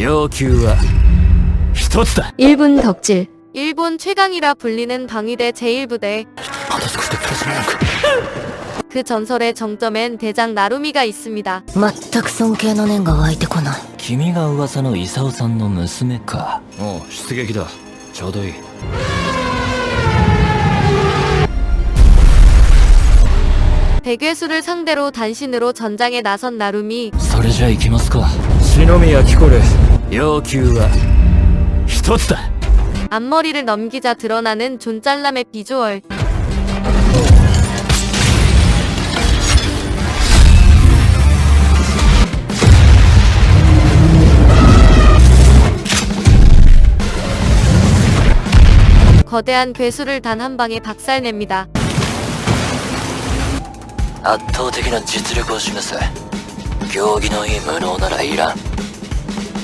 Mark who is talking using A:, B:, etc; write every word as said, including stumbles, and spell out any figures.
A: 要求は一つだ。
B: 일 분 덕질.
C: 일본 최강이라 불리는 방위대 제일 부대. 그 전설의 정점엔 대장 나루미가 있습니다.
D: 全く尊敬の念が湧いてこない。
A: 君が噂の功さんの娘か。おう、出撃だ。ちょうどいい。
C: 대괴수를 상대로 단신으로 전장에 나선 나루미.
A: それじゃ行きますか。篠宮貴子る。要求は一つだ。
C: 앞머리를 넘기자 드러나는 존잘남의 비주얼. 거대한 괴수를 단 한 방에 박살냅니다.
A: 圧倒的な実力を示せ。競技のいい無能ならいらん。